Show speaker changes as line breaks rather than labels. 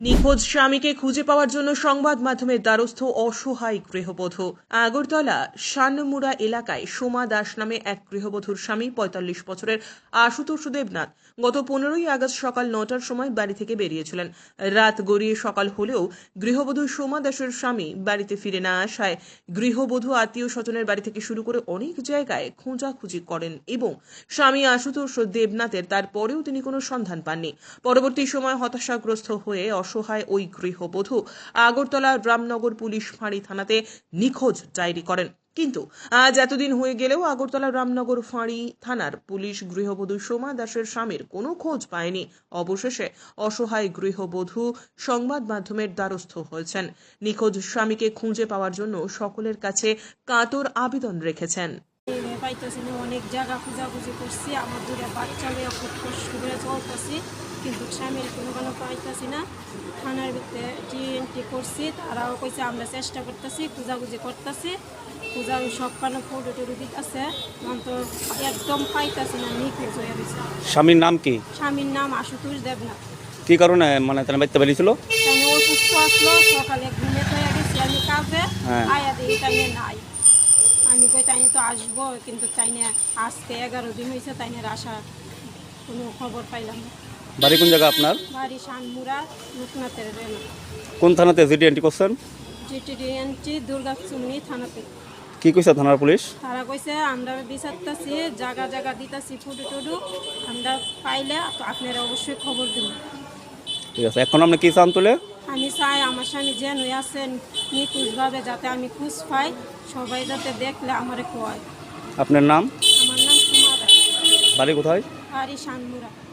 নিখোঁজ স্বামীকে খুঁজে পাওয়ার জন্য সংবাদ মাধ্যমের দ্বারস্থ অসহায় গৃহবধূ। আগরতলা শানমুড়া এলাকায় সোমা দাস নামে এক গৃহবধূর স্বামী ৪৫ বছরের আশুতোষ দেবনাথ গত ১৫ই আগস্ট সকাল ৯টার সময় বাড়ি থেকে বেরিয়েছিলেন। রাত গড়িয়ে সকাল হলেও গৃহবধূ সোমা দাসের স্বামী বাড়িতে ফিরে না আসায় গৃহবধূ আত্মীয় স্বজনের বাড়ি থেকে শুরু করে অনেক জায়গায় খোঁজাখুঁজি করেন এবং স্বামী আশুতোষ দেবনাথের তারপরেও তিনি কোনো সন্ধান পাননি। পরবর্তী সময় হতাশাগ্রস্ত হয়ে অসহায় ওই গৃহবধূ আগরতলা রামনগর পুলিশ ফাঁড়ি থানাতে নিখোঁজ ডায়েরি করেন। কিন্তু আজ এতদিন হয়ে গেলেও আগরতলা রামনগর ফাঁড়ি থানার পুলিশ গৃহবধূ সোমা দাসের স্বামীর কোনো খোঁজ পায়নি। অবশেষে অসহায় গৃহবধূ সংবাদ মাধ্যমের দ্বারস্থ হয়েছেন। নিখোঁজ স্বামীকে খুঁজে পাওয়ার জন্য সকলের কাছে কাতর আবেদন রেখেছেন।
পাইতেছি না, অনেক জায়গা খোঁজাখুঁজি করছি, আমার দূরে বাচ্চা লইয়া খুব কষ্ট করে চলতেছি, কিন্তু স্বামীর কোনো পাইতেছি না। থানার ভিতরে টিএনটি করছি, তারাও কইছে আমরা চেষ্টা করতেছি, খোঁজাখুঁজি করতেছি, সব কানো ফটো টুটু দিতেছে, তো একদম পাইতেছি না, নিখোঁজ হয়ে গেছে।
স্বামীর নাম কি?
স্বামীর নাম আশুতোষ দেবনাথ।
কি কারণে তার বাড়িতে বেরিয়েছিল?
তাই অসুস্থ আসলো, সকালে ঘুমে হয়ে গেছি আমি কাজে, আয়া দিই তাই নাই। আমি কই তাই তো আসবো, কিন্তু তাই না আজকে 11 দিন হয়েছে, তাই না আসা কোনো খবর পাইলাম না।
বাড়ি কোন জায়গা আপনার?
বাড়ি শানমুড়া লোকনাথের রেনা।
কোন থানাতে জিডি এন্ট্রি করছেন?
জিটিডিএনটি দুর্গাচুমনি থানাতে।
কি কইছে থানার পুলিশ?
তারা কইছে আমরা বিচারতেছি, জায়গা জায়গা দিতেছি ফুটু টুডু, আমরা পাইলে তো আপনারা অবশ্যই খবর দেবেন।
ঠিক আছে, এখন আপনি কি চান তুলে?
আমি চাই আমার স্বামী যেন আছেন নিখোঁজভাবে, যাতে আমি খোঁজ পাই, সবাই যাতে দেখলে আমারে কয়।
আপনার নাম?
আমার নাম সোমা দাস।
বাড়ি কোথায়?
বাড়ি শানমুড়া।